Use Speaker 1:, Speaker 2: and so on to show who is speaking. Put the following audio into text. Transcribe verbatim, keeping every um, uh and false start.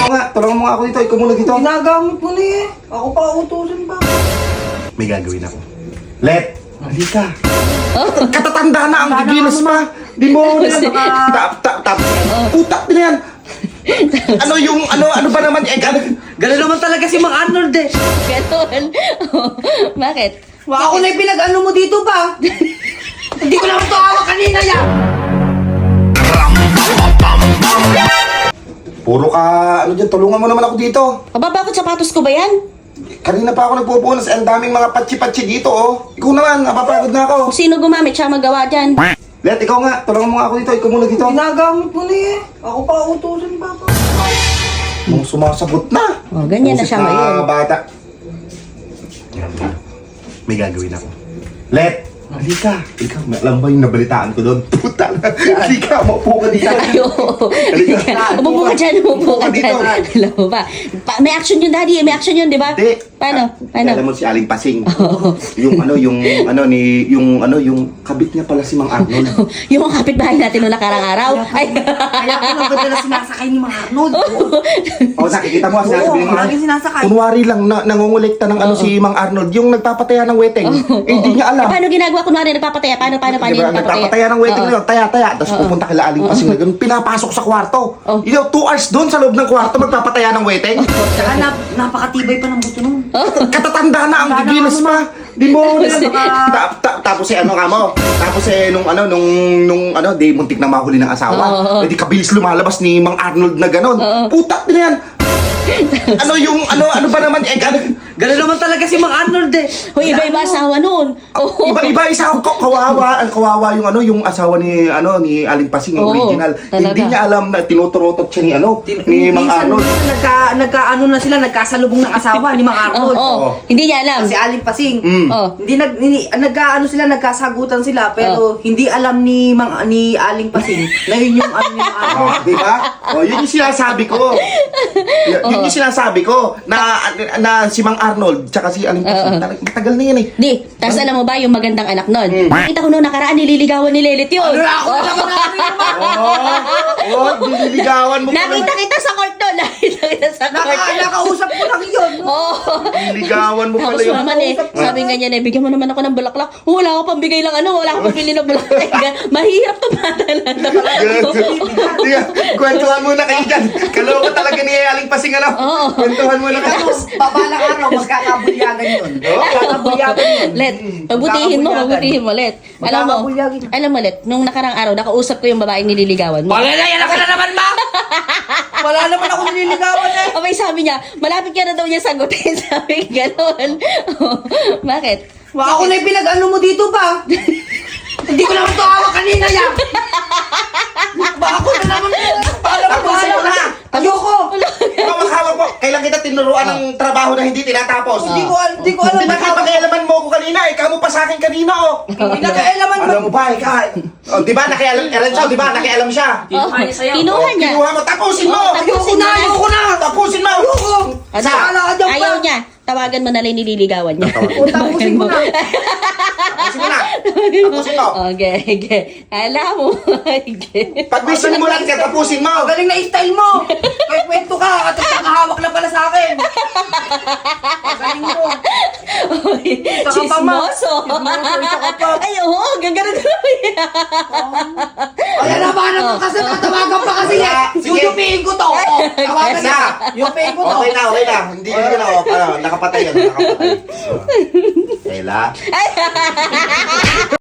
Speaker 1: ikaw nga, tulungan mo nga ako dito. Ikaw muna dito.
Speaker 2: Ginagamit mo na eh. Ako pa utusan pa.
Speaker 1: May gagawin ako. Let! Halika. Katatanda na ang gigilos pa. Di mo na tap tap tap. Utak din yan. Ano yung ano ano ba naman eh ano?
Speaker 2: Ganun naman talaga si Mang Arnold eh.
Speaker 3: Ganon. Bakit?
Speaker 2: Wa ako na yung pinag-ano mo dito pa. Hindi ko naman ito hawak kanina yan.
Speaker 1: Puro ka ano dyan, tulungan mo naman ako dito.
Speaker 3: Aba, bakit sapatos ko ba yan?
Speaker 1: Kanina pa ako nagpupunas, ang daming mga patsi-patsi dito oh. Ikaw naman, napapagod na ako.
Speaker 3: Kung sino gumamit siya magawa dyan.
Speaker 1: Let, ikaw nga, tulungan mo nga ako dito. Ikaw muna dito.
Speaker 2: Ginagamit mo na eh. Ako pa utusan pa pa.
Speaker 1: Nung sumasagot na.
Speaker 3: Oh, ganyan na siya
Speaker 1: Busit
Speaker 3: ngayon.
Speaker 1: bata. May gagawin ako. Let! Halika. Ikaw, alam ba yung nabalitaan ko doon? Puta na. Halika, maupo ka dito.
Speaker 3: Ayo.
Speaker 1: Halika.
Speaker 3: Umupo ka dyan, umupo ka dyan. Alam mo ba? Pa- may action yun, daddy. May action yun, di ba?
Speaker 1: Hindi.
Speaker 3: Paano?
Speaker 1: Ah,
Speaker 3: Paano?
Speaker 1: Alam mo si Aling Pasing. Yung ano, yung ano ni, yung ano, yung kabit niya pala si Mang Arnold.
Speaker 3: Yung mga kapitbahay natin noong nakarang araw. Ay.
Speaker 2: Kaya ko lang ganda na sinasakay ni Mang Arnold.
Speaker 1: O, nakikita mo, sinasabi
Speaker 2: Oo,
Speaker 1: ni Mang
Speaker 2: laging sinasakay.
Speaker 1: Kunwari lang na nangungulekta ng ano si Mang Arnold, yung nagpapataya ng weteng. Eh, hindi niya alam.
Speaker 3: Eh, paano ginagawa? Kunwari, nagpapataya. Paano, paano, paano
Speaker 1: Diba,
Speaker 3: yung nagpapataya?
Speaker 1: nagpapataya ng weteng
Speaker 3: Oo.
Speaker 1: nila, taya-taya. Tapos pupunta kila Aling Pasing na ganun, pinapasok sa kwarto.
Speaker 3: Oh.
Speaker 1: You know, two hours doon sa loob ng kwarto, magpapataya ng weteng.
Speaker 2: Saka nap napakatibay pa ng buto nun.
Speaker 1: Katatanda na ang
Speaker 2: Tanda na
Speaker 1: gigilos
Speaker 2: ako
Speaker 1: pa. Di mo na.
Speaker 3: Kasi-
Speaker 1: Ta- ta- Tapos eh ano ka mo? Tapos eh nung ano nung nung ano di muntik na mahuli ng asawa.
Speaker 3: Oo.
Speaker 1: Eh di kabilis lumalabas ni Mang Arnold na ganon. Putak din yan. Ano yung ano ano ba naman eh ano,
Speaker 2: Ganun naman talaga si Mang Arnold eh.
Speaker 3: Hoy, iba-iba asawa noon. Oh.
Speaker 1: iba-iba isa ko kawawa, ang kawawa yung ano yung asawa ni ano ni Aling Pasing yung
Speaker 3: Oo,
Speaker 1: original.
Speaker 3: talaga.
Speaker 1: Hindi niya alam na tinuturotot siya ni ano ni Mang
Speaker 2: Minsan,
Speaker 1: Arnold.
Speaker 2: Nagka, nagka-ano na sila, nagkasalubong ng asawa ni Mang
Speaker 3: Oh,
Speaker 2: Arnold.
Speaker 3: oh.
Speaker 1: Oo.
Speaker 3: Hindi niya alam.
Speaker 2: Si Aling Pasing.
Speaker 1: Mm.
Speaker 3: Oh.
Speaker 2: Hindi nag hindi, nagkaano sila, nagkasagutan sila pero hindi alam ni Mang ni Aling Pasing na yun yung ano ni Mang Arnold.
Speaker 1: Oh, di ba? Oh, yun yung sinasabi ko. Y- yun yung sinasabi ko na na si Mang Arnold tsaka si Aling Pasing. Talagang matagal na yan eh.
Speaker 3: Di, tapos alam mo ba yung magandang anak nun?
Speaker 1: Hmm.
Speaker 3: Nakita ko noong nakaraan, nililigawan ni Lelit yun.
Speaker 2: Ano na ako na naman namin naman.
Speaker 1: Oh, oh, dililigawan mo pala.
Speaker 3: Nakita kita sa court doon. Nakita kita sa court.
Speaker 2: Naka, nakausap ko lang yun.
Speaker 3: Oo.
Speaker 1: Dililigawan mo pala
Speaker 3: Tapos
Speaker 1: yun.
Speaker 3: naman eh, sabi nga niya, eh, bigyan mo naman ako ng bulaklak. Oh, wala ako pambigay lang ano, wala ako pambili ng bulaklak. Mahirap to bata na to.
Speaker 1: Tiga, kwentuhan muna kayo dyan. Kaloko talaga ni Aling Pasing ano.
Speaker 3: Oo.
Speaker 1: Kwentuhan muna kayo.
Speaker 2: Tapos, babalang araw, magkakabulyagan yun. Magkakabulyagan yun.
Speaker 3: Let, pagbutihin mo, pagbutihin mo, Let. Alam mo,
Speaker 2: Magkakabulyagin.
Speaker 3: alam mo, Let, nung nakarang araw, nakausap ko yung babaeng nililigawan mo.
Speaker 2: Wala na, yan ka na naman, ma! Wala naman ako nililigawan eh.
Speaker 3: Abay, sabi niya, malapit ka na daw niya sagutin. Sabi gano'n. Bakit?
Speaker 2: Wa ako na yung pinag-ano mo dito pa. Hindi ko naman ito hawak kanina yan. Ba ako na naman. Paano mo
Speaker 1: Tapusin mo na.
Speaker 2: Ayoko.
Speaker 1: Ikaw maghawak mo. Kailan kita tinuruan ng trabaho na hindi tinatapos?
Speaker 2: Hindi ko, al- hindi ko alam.
Speaker 1: Hindi nakipakialaman mo ko kanina. Ikaw mo pa sa akin kanina oh.
Speaker 2: Hindi nagkailaman ba?
Speaker 1: Alam mo ba, ikaw? Oh, di ba nakialam, Eren siya, di ba nakialam siya?
Speaker 3: Oh, kinuha niya.
Speaker 1: Kinuha mo, tapusin mo!
Speaker 3: Oh,
Speaker 2: Ayoko
Speaker 3: tapusin
Speaker 2: na,
Speaker 3: mo na.
Speaker 2: ayoko na.
Speaker 1: Tapusin mo!
Speaker 2: Ayoko.
Speaker 3: Ano?
Speaker 2: Sala ka dyan pa.
Speaker 3: Ayaw niya. Tawagan mo na lang yung nililigawan niya.
Speaker 1: Tawagan.
Speaker 2: O, tapusin mo na.
Speaker 1: Tapusin mo na! Tapusin mo!
Speaker 3: Okay, okay. Alam mo. Okay.
Speaker 1: Pag may simulan ka, tapusin mo!
Speaker 2: Galing na style mo. May kwento ka at nakahawak na pala sa akin. Galing mo. Isa ka pa, ma.
Speaker 3: Chismoso.
Speaker 2: Chismoso, isa ka pa.
Speaker 3: Ay, oo. Gagano mo yan.
Speaker 2: Ay, naman naman kasi tatawagan pa kasi
Speaker 1: Wala.
Speaker 2: yan.
Speaker 1: Sige.
Speaker 2: Yupiin ko to. Oo, tawagan
Speaker 1: Isa.
Speaker 2: na. Yupiin ko to.
Speaker 1: Okay na, okay na. Hindi ko na, ano, nakapatay yan, nakapatay. Kayla?